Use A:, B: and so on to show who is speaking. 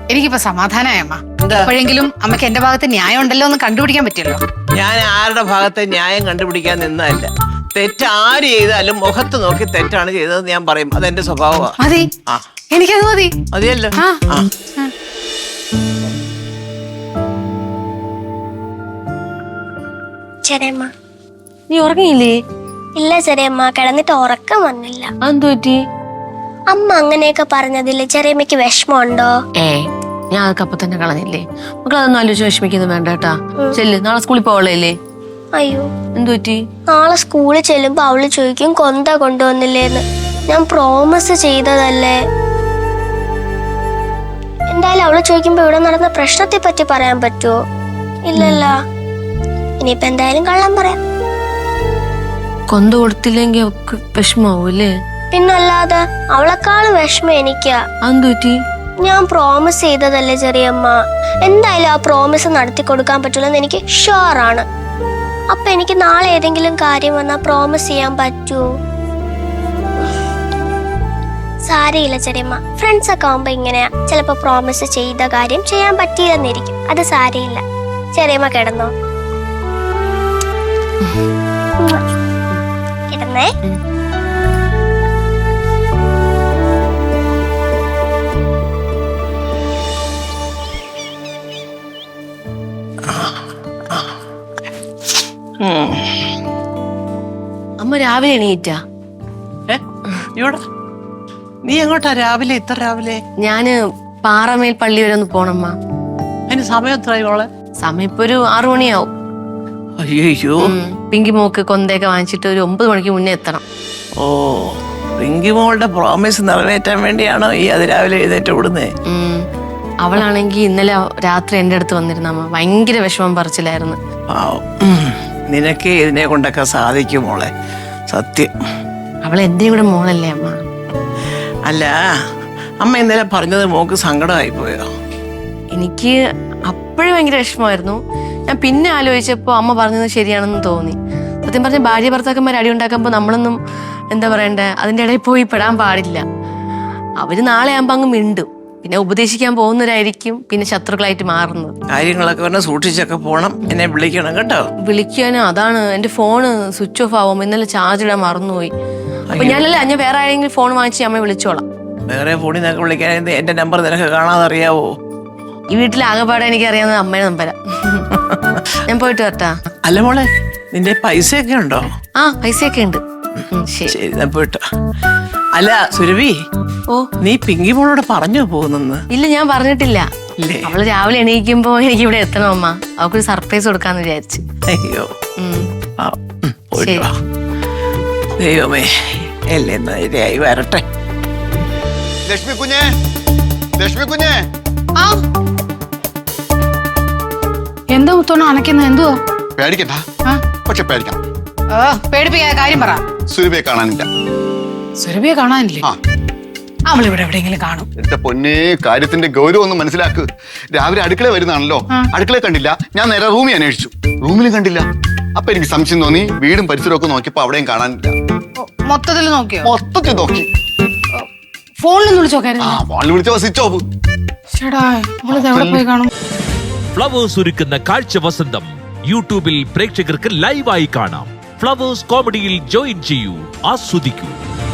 A: എനിക്കിപ്പോ സമാധാനമായ അമ്മ. എപ്പോഴെങ്കിലും അമ്മയ്ക്ക് എന്റെ ഭാഗത്ത് ന്യായം ഉണ്ടല്ലോ എന്ന് കണ്ടുപിടിക്കാൻ പറ്റിയല്ലോ.
B: ഞാൻ ആരുടെ ഭാഗത്തെ ന്യായം കണ്ടുപിടിക്കാൻ നിന്നല്ല. തെറ്റ് ആര് ചെയ്താലും മുഖത്ത് നോക്കി തെറ്റാണ് ചെയ്തതെന്ന് ഞാൻ പറയും. അതെന്റെ സ്വഭാവമാണ്.
A: മതി, എനിക്കത് മതി.
B: മതിയല്ലോ.
C: ചെറിയമ്മ,
D: നീ ഉറങ്ങിയില്ലേ?
C: ഇല്ല ചെറിയമ്മ, കിടന്നിട്ട് ഉറക്കം വന്നില്ല.
D: അതെന്തു പറ്റി?
C: അമ്മ അങ്ങനെയൊക്കെ പറഞ്ഞതില് ചെറിയമ്മക്ക് വിഷമമുണ്ടോ?
D: ഞാൻ അതൊക്കെ അപ്പൊ തന്നെ കളഞ്ഞില്ലേ. മക്കളതൊന്നും ആലോചിച്ച് വിഷമിക്കുന്നു വേണ്ട കേട്ടാ. ചെല്ല്, നാളെ സ്കൂളിൽ പോവളേ.
C: അയ്യോ,
D: എന്തു പറ്റി?
C: നാളെ സ്കൂളിൽ ചെല്ലുമ്പോ അവള് ചോദിക്കും കൊന്ത കൊണ്ടുവന്നില്ലേന്ന്. ഞാൻ പ്രോമിസ് ചെയ്തതല്ലേ. എന്തായാലും അവള് ചോദിക്കുമ്പോ ഇവിടെ നടന്ന പ്രശ്നത്തെ പറ്റി പറയാൻ പറ്റുമോ? ഇല്ലല്ലോ. ഇനിയിപ്പോ എന്തായാലും കള്ളം പറയാം.
D: കൊന്ത കൊടുത്തില്ലെങ്കിൽ അവക്ക് വിഷമാവൂല്ലേ?
C: പിന്നല്ലാതെ, അവളെക്കാളും വിഷമം എനിക്കാ.
D: അതെന്തു പറ്റി?
C: ഞാൻ പ്രോമിസ് ചെയ്തതല്ലേ ചെറിയമ്മ. എന്തായാലും ആ പ്രോമിസ് നടത്തി കൊടുക്കാൻ പറ്റുള്ളൂ എനിക്ക് ഷുവറാണ്. അപ്പൊ എനിക്ക് നാളെ ഏതെങ്കിലും കാര്യം വന്നാൽ പ്രോമിസ് ചെയ്യാൻ പറ്റൂ? സാരയില്ല ചെറിയമ്മ, ഫ്രണ്ട്സ് ഒക്കെ ആവുമ്പോ ഇങ്ങനെയാ. ചിലപ്പോ പ്രോമിസ് ചെയ്ത കാര്യം ചെയ്യാൻ പറ്റിയില്ലെന്നിരിക്കും. അത് സാരയില്ല. ചെറിയമ്മ കിടന്നോ. കിടന്നേ.
D: അമ്മ രാവിലെ എണീറ്റാ?
B: ഇവിടെ നീ എങ്ങോട്ടാ രാവിലെ? ഇത്ര രാവിലെ?
D: ഞാന് പാറമേൽ പള്ളി വരെ ഒന്ന് പോണമ്മ.
B: അതിന് സമയം എത്രയോളെ?
D: സമയം ഇപ്പൊ ഒരു 6 മണിയാവും.
B: അയ്യോ,
D: പിങ്കി മോക്ക് കൊന്തയൊക്കെ വാങ്ങിച്ചിട്ട് ഒരു 9 മണിക്ക് മുന്നേ എത്തണം.
B: ഓ, പിങ്കി മോളുടെ പ്രോമിസ് നിറവേറ്റാൻ വേണ്ടിയാണോ ഈ അതിരാവിലെ എഴുന്നേറ്റ് വിടുന്നേ?
D: അവളാണെങ്കി ഇന്നലെ രാത്രി എന്റെ അടുത്ത് വന്നിരുന്ന അമ്മ. ഭയങ്കര വിഷമം പറിച്ചില്ലായിരുന്നു.
B: നിനക്ക് ഇതിനെ കൊണ്ടൊക്കെ സാധിക്കും മോളെ, സത്യം.
D: അവൾ എന്റെയും കൂടെ മോളല്ലേ അമ്മ.
B: അല്ല, അമ്മ ഇന്നലെ പറഞ്ഞത് മോക്ക് സങ്കടമായി പോയോ?
D: എനിക്ക് അപ്പോഴും ഭയങ്കര വിഷമമായിരുന്നു. ഞാൻ പിന്നെ ആലോചിച്ചപ്പോ അമ്മ പറഞ്ഞത് ശരിയാണെന്ന് തോന്നി. സത്യം പറഞ്ഞ ഭാര്യ ഭർത്താക്കന്മാർ അടി ഉണ്ടാക്കുമ്പോ നമ്മളൊന്നും എന്താ പറയണ്ടേ, അതിന്റെ ഇടയിൽ പോയി പെടാൻ പാടില്ല. അവര് നാളെ ആകുമ്പോ അങ്ങ് മിണ്ടും. പിന്നെ ഉപദേശിക്കാൻ പോകുന്നവരായിരിക്കും പിന്നെ ശത്രുക്കളായിട്ട് മാറുന്നത്.
B: കാര്യങ്ങളൊക്കെ പറഞ്ഞാൽ സൂക്ഷിച്ചൊക്കെ പോണം. എന്നെ വിളിക്കണം കേട്ടോ.
D: വിളിക്കാനും അതാണ്, എന്റെ ഫോണ് സ്വിച്ച് ഓഫ് ആവും. ഇന്നലെ ചാർജ് ഇടാൻ മറന്നുപോയി. അപ്പൊ ഞാൻ വേറെ ആരെങ്കിലും ഫോൺ വാങ്ങിച്ച് അമ്മയെ വിളിച്ചോളാം.
B: വേറെ ഫോണിൽ നിനക്ക് വിളിക്കാൻ എന്റെ നമ്പർ നിനക്ക് കാണാതെ അറിയാവോ?
D: ഈ വീട്ടിൽ ആകെപ്പാടെ എനിക്ക് അറിയാവുന്നത് അമ്മയുടെ നമ്പരാ. ഞാൻ പോയിട്ട് വരട്ടാ.
B: അല്ല മോളെ, നിന്റെ പൈസയൊക്കെ ഉണ്ടോ?
D: പൈസയൊക്കെ ഉണ്ട്.
B: ശരി, ഞാൻ പോയിട്ടോ. അല്ല സുരഭി, നീ പിങ്കി മോളോട് പറഞ്ഞു പോകുന്നെന്ന്?
D: ഇല്ല, ഞാൻ പറഞ്ഞിട്ടില്ല. അവള് രാവിലെ എണീക്കുമ്പോ എനിക്ക് ഇവിടെ എത്തണം അമ്മ. അവക്കൊരു സർപ്രൈസ് കൊടുക്കാന്ന് വിചാരിച്ചു.
B: അയ്യോ, ദൈവമേ, എല്ലാം നേരെയായി വരട്ടെ.
E: ലക്ഷ്മി കുഞ്ഞേ, ലക്ഷ്മി കുഞ്ഞേ.
A: എന്താ മുത്തോണ അനക്കുന്ന? എന്തുവാ?
E: പേടിക്കണ്ട, പക്ഷെ പേടിക്കണം.
A: പേടിപ്പിക്കാ കാര്യം പറ.
E: സുരഭിയെ കാണാനില്ല.
A: സുരഭിയെ കാണാനില്ലേ? അവളിവിടെ എവിടെയെങ്കിലും കാണും.
E: എന്റെ പൊന്നേ, കാര്യത്തിന്റെ ഗൗരവം ഒന്ന് മനസ്സിലാക്ക്. രാവിലെ അടുക്കള വരുന്നതാണല്ലോ, അടുക്കള കണ്ടില്ല. ഞാൻ നേരെ റൂമിൽ അന്വേഷിച്ചു, റൂമിലും കണ്ടില്ല. അപ്പൊ എനിക്ക് സംശയം തോന്നി. വീടും പരിസരവും ഒക്കെ നോക്കിയപ്പോ അവിടെയും കാണാനില്ല.
A: മൊത്തത്തിൽ നോക്കിയോ?
E: മൊത്തത്തിൽ നോക്കി.
A: ഫോണിലൊന്നും വിളിച്ചോക്കായിരുന്നു?
E: ഫോണിൽ വിളിച്ചപ്പോ സ്വിച്ച് ഓഫ്.
A: പോയി കാണും.
F: ഫ്ലവേഴ്സ് ഒരുക്കുന്ന കാഴ്ച വസന്തം യൂട്യൂബിൽ പ്രേക്ഷകർക്ക് ലൈവായി കാണാം. ഫ്ലവേഴ്സ് കോമഡിയിൽ ജോയിൻ ചെയ്യൂ, ആസ്വദിക്കൂ.